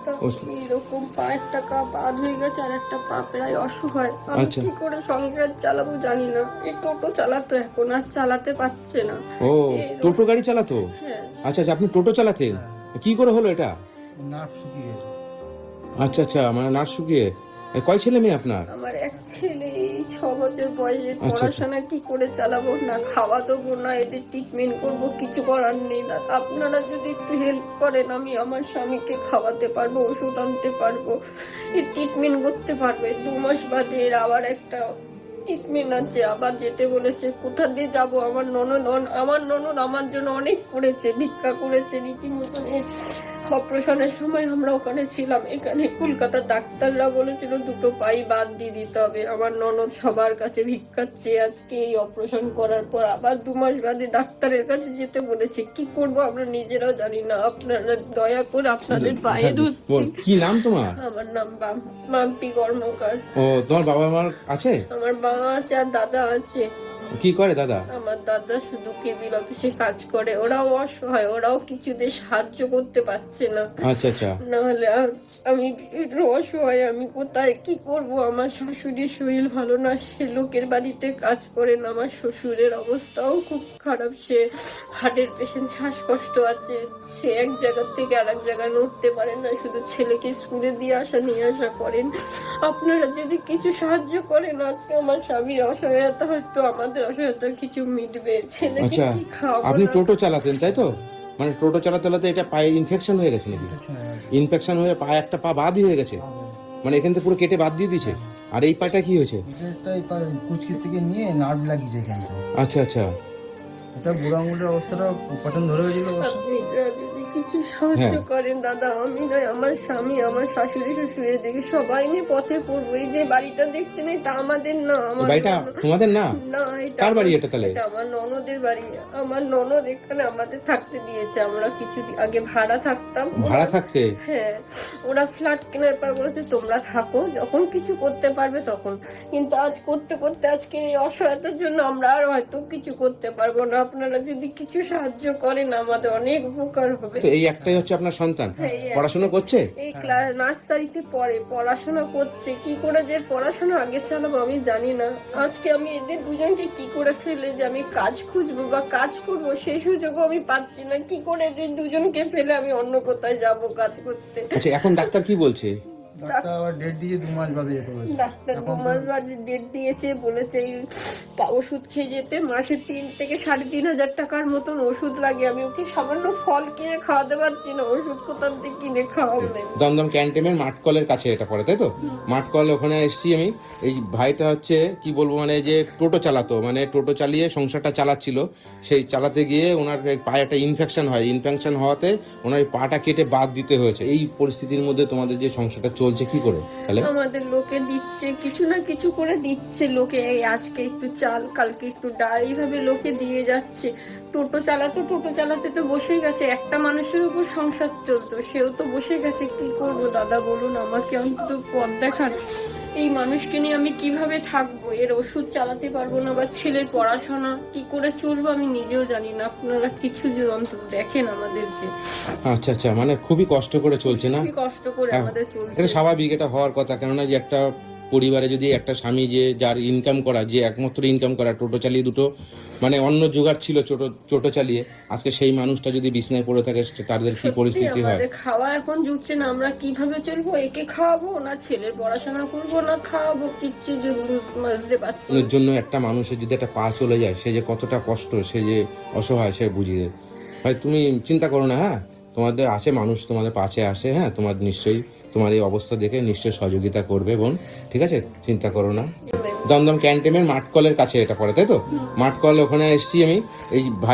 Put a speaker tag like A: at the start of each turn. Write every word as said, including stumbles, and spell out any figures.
A: অবস্থা, এরকম পা একটা পা বাদ হয়ে গেছে আর একটা পা প্রায় অসহায়। আমি কি করে সংসার চালাবো জানি না। এই টোটো চালাতো, এখন আর চালাতে পারছে না।
B: ও টোটো গাড়ি চালাতো?
A: হ্যাঁ।
B: আচ্ছা আচ্ছা, আপনি টোটো চালাতেন, কি করে হলো এটা?
C: নাক শুকিয়ে।
B: আচ্ছা আচ্ছা, মানে নাক শুকিয়ে। এ, কয় ছেলে মেয়ে আপনার?
A: আমার এক ছেলে, এই ছ বছর বয়সে। পড়াশোনা কি করে চালাবো, না খাওয়া দেবো, না এদের ট্রিটমেন্ট করবো, কিছু করার নেই। না আপনারা যদি একটু হেল্প করেন, আমি আমার স্বামীকে খাওয়াতে পারবো, ওষুধ আনতে পারবো, এর ট্রিটমেন্ট করতে পারবে। দু মাস বাদে এর আবার একটা ট্রিটমেন্ট আছে, আবার যেতে বলেছে। কোথা দিয়ে যাবো? আমার ননদ আমার ননদ আমার জন্য অনেক করেছে, ভিক্ষা করেছে রীতিমতন। অপারেশনের সময় আমরা ওখানে ছিলাম। এখানে কলকাতার ডাক্তাররা বলেছিল দুটো পাই বাদ দিয়ে দিতে হবে। আমার ননদ সবার কাছে ভিক্ষাচ্ছে। আজকে এই অপারেশন করার পর আবার দু মাস বাদে ডাক্তারের কাছে যেতে বলেছে। কি করব আমরা নিজেরাও জানি না। আপনারা দয়া করে আপনাদের পায়ে ধরছি।
B: কি নাম তোমার?
A: আমার নাম মাম্পি কর্মকার।
B: ও, তোমার বাবা মার আছে?
A: আমার বাবা আছে আর দাদা আছে।
B: কি করে দাদা?
A: আমার দাদা শুধু কেবিল অফিসে কাজ করে। ওরাও অসহায়, ওরাও কিছুতে সাহায্য করতে পারছে না।
B: আচ্ছা আচ্ছা।
A: নাহলে আমি একটু অসহায়, আমি কোথায় কি করব? আমার শাশুড়ির শরীর ভালো না, সে লোকের বাড়িতে কাজ করেন। আমার শ্বশুরের অবস্থাও খুব খারাপ, সে হার্টের পেশেন্ট, শ্বাসকষ্ট আছে। সে এক জায়গা থেকে আর এক জায়গায় নড়তে পারেন না, শুধু ছেলেকে স্কুলে দিয়ে আসা নিয়ে আসা করেন। আপনারা যদি কিছু সাহায্য করেন, আজকে আমার স্বামীর অসহায়তা হয়তো আমাদের অসহায়তা কিছু মিটবে। ছেলেকে কি খাওয়াবো?
B: আপনি টোটো চালাতেন তাই তো? মানে টোটো চালাতে চালাতে এটা পায়ে ইনফেকশন হয়ে গেছে নাকি? ইনফেকশন হয়ে পায়ে একটা পা বাদ হয়ে গেছে, মানে এখান থেকে পুরো কেটে বাদ দিয়ে দিয়েছে। আর এই পাটা কি হয়েছে?
C: কুচকি থেকে নিয়ে নার্ভ লাগিয়েছে এখানে।
B: আচ্ছা আচ্ছা।
C: এটা বুড়ো আঙুলের অবস্থাটা পছন্দ ধরে হয়েছিল।
A: আপনি যদি কিছু সাহায্য করেন দাদা, আমি নয় আমার স্বামী, আমার শাশুড়ি শ্বশুরের দিকে সবাই নিয়ে পথে পড়বো। এই যে বাড়িটা দেখছেন, এটা আমাদের না। আমার
B: বাড়িটা তোমাদের না?
A: না, এটা
B: কার বাড়ি এটা তাহলে?
A: এটা আমার ননদের বাড়ি। আমার ননদ এখানে আমাদের থাকতে দিয়েছে। আমরা কিছু আগে ভাড়া থাকতাম।
B: ভাড়া থাকতে?
A: হ্যাঁ, ওরা ফ্ল্যাট কেনার পর বলেছে তোমরা থাকো, যখন কিছু করতে পারবে তখন। কিন্তু আজ করতে করতে আজকে এই অসহায়তার জন্য আমরা আর হয়তো কিছু করতে পারবো না। আপনারা যদি কিছু সাহায্য করেন আমাদের অনেক উপকার হবে।
B: এই একটাই হচ্ছে আপনার সন্তান, পড়াশোনা করছে?
A: এই ক্লাস নার্সারিতে পড়ে, পড়াশোনা করছে। কি করে যে পড়াশোনা আগে চালাবো আমি জানি না। আজকে আমি এদের দুজনকে কি করে ফেলে যে আমি কাজ খুঁজবো বা কাজ করবো, সেই সুযোগও আমি পাচ্ছি না। কি করে এদের দুজনকে ফেলে আমি অন্য কোথায় যাবো কাজ করতে?
B: আচ্ছা, এখন ডাক্তার কি বলছে?
C: ডাক্তার আবার ডেট দিয়ে দু মাস বাদে যেতে বলেছে।
A: ডাক্তার দু মাস বাদে ডেট দিয়েছে, বলেছে ওষুধ খেয়ে যেতে। মাসে তিন থেকে সাড়ে তিন হাজার টাকার মতন ওষুধ লাগে। আমি ওকে সামান্য ফল কিনে খাওয়াতে পারছি না, ওষুধ কোথাও থেকে কিনে খাওয়াবো।
B: দমদম ক্যান্টনমেন্ট মাঠকলের কাছে এটা পড়ে তাই তো? মাঠকল, ওখানে এসেছি আমি। এই ভাইটা হচ্ছে কি বলবো, মানে যে টোটো চালাতো, মানে টোটো চালিয়ে সংসারটা চালাচ্ছিল। সেই চালাতে গিয়ে ওনার পায়ে একটা ইনফেকশন হয়। ইনফেকশন হওয়াতে ওনার পাটা কেটে বাদ দিতে হয়েছে। এই পরিস্থিতির মধ্যে তোমাদের যে সংসারটা চলছে কি করে তাহলে?
A: আমাদের লোকে দিচ্ছে, কিছু না কিছু করে দিচ্ছে লোকে। এই আজকে একটু চাল, কালকে একটু ডাল, এইভাবে লোকে দিয়ে যাচ্ছে। টোটো চালাতে টোটো চালাতে তো বসে গেছে। একটা মানুষের উপর সংসার চলতো, সেও তো বসে গেছে। কি করবো দাদা বলুন, আমাকে অন্তত পথ দেখান। এই মানুষকে নিয়ে আমি কিভাবে থাকবো? এর ওষুধ চালাতে পারবো না, বা ছেলের পড়াশোনা কি করে চলবো আমি নিজেও জানি না। আপনারা কিছু যে অন্তত দেখেন আমাদেরকে।
B: আচ্ছা আচ্ছা, মানে খুবই কষ্ট করে চলছে না?
A: খুবই কষ্ট করে আমাদের চলছে।
B: এটা স্বাভাবিক, এটা হওয়ার কথা। কেননা যে একটা পরিবারে যদি একটা স্বামী যে যার ইনকাম করা, যে একমাত্র ইনকাম করা, টোটো চালিয়ে দুটো মানে অন্য জোগাড় ছিল ছোটো টোটো চালিয়ে, আজকে সেই মানুষটা যদি বিছনায় পড়ে থাকে তাদের কি পরিস্থিতি হয়?
A: খাওয়া এখন জুটছে না, আমরা কিভাবে চলবো? একে খাওয়াবো না ছেলের পড়াশোনা করবো না খাওয়াবো, কিচ্ছু বুঝতে পারছি না।
B: এর জন্য একটা মানুষের যদি একটা পা চলে যায়, সে যে কতটা কষ্ট, সে যে অসহায়, সে বুঝিয়ে। ভাই তুমি চিন্তা করো না, হ্যাঁ, তোমাদের আছে মানুষ, তোমাদের পাশে আসে। হ্যাঁ, তোমার নিশ্চয়ই তোমার এই অবস্থা দেখে নিশ্চয়ই সহযোগিতা করবে বোন, ঠিক আছে? চিন্তা করো না। দমদম ক্যান্টনমেন্ট মাঠকলের কাছে এটা পড়ে তাই তো? মাঠকল, ওখানে এসেছি আমি। এই